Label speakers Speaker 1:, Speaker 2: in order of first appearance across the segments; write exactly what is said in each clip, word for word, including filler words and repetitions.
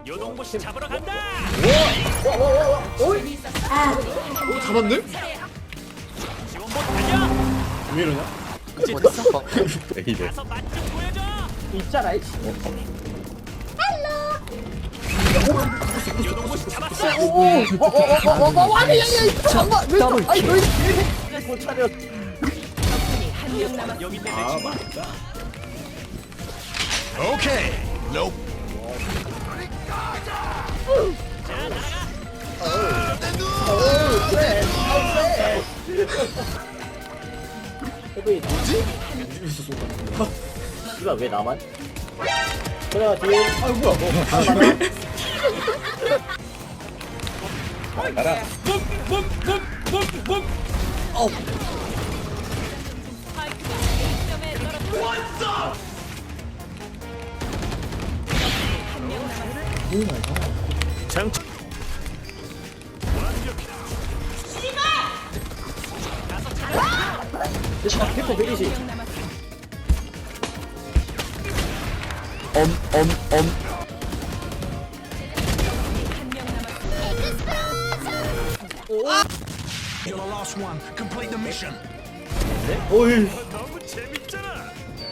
Speaker 1: 요동보시 잡으러 간다.
Speaker 2: 와와와와 어이?
Speaker 3: 오 잡았네?
Speaker 1: 지원봇 달려.
Speaker 3: 왜 이러냐?
Speaker 1: 이제
Speaker 4: 어딨어?
Speaker 3: 왜 이래?
Speaker 1: 가서 맛좀 보여줘.
Speaker 2: 있잖아 이씨.
Speaker 1: 요동보시 잡았어.
Speaker 2: 오오오오오오 아니 아니 아니 잠깐만 왜 또- 아니 왜 이렇게 못 차려.
Speaker 5: 한명 남았.
Speaker 1: 여기 있네
Speaker 2: 아
Speaker 1: 내 친구.
Speaker 2: 맞다.
Speaker 6: Okay. Nope.
Speaker 1: 자 나가.
Speaker 2: 어우 그래. 헤비 뭐지?
Speaker 3: 여기서 쏜다.
Speaker 2: 이거 왜 나만? 그래 뒤에. 아 뭐야 뭐. 가라.
Speaker 5: 스파이크가 A점에 떨어졌습니다. 한명 남았.
Speaker 1: 장.
Speaker 2: 됐다 페퍼 백이십.
Speaker 5: 한명 남았.
Speaker 4: 엄엄엄
Speaker 5: 한명 남았.
Speaker 6: You're the last one. Complete the mission.
Speaker 2: 어이.
Speaker 1: 너무 재밌잖아.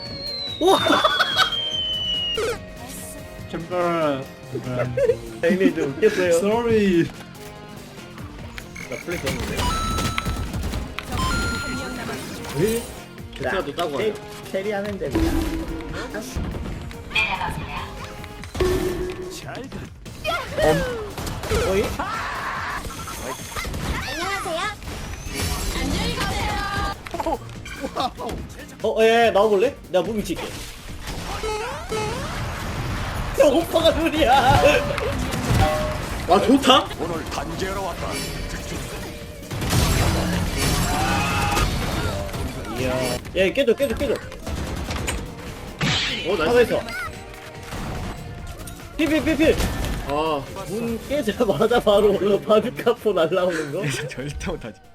Speaker 3: 제발.
Speaker 2: 형님 좀 웃겼어요.
Speaker 3: Sorry.
Speaker 2: 나 플래시 했는데.
Speaker 5: 한명 남았.
Speaker 2: 왜?
Speaker 3: 개트라도 따고
Speaker 2: 캐-
Speaker 3: 와요.
Speaker 2: 캐리하면 됩니다.
Speaker 1: 잘 가.
Speaker 2: 어이? 어, 예, 나와볼래? 내가 무기 칠게. 야, 오빠가 눈이야.
Speaker 3: 아 좋다.
Speaker 6: 오늘 단죄하러 왔다.
Speaker 2: 이야. 야, 깨줘, 깨줘, 깨줘.
Speaker 3: 어
Speaker 2: 하나
Speaker 3: 나이스.
Speaker 2: 있어. 필필필필.
Speaker 3: 아
Speaker 2: 문 깨자마자 바로 바둑카포 날라오는 거.
Speaker 4: 절대 못하지.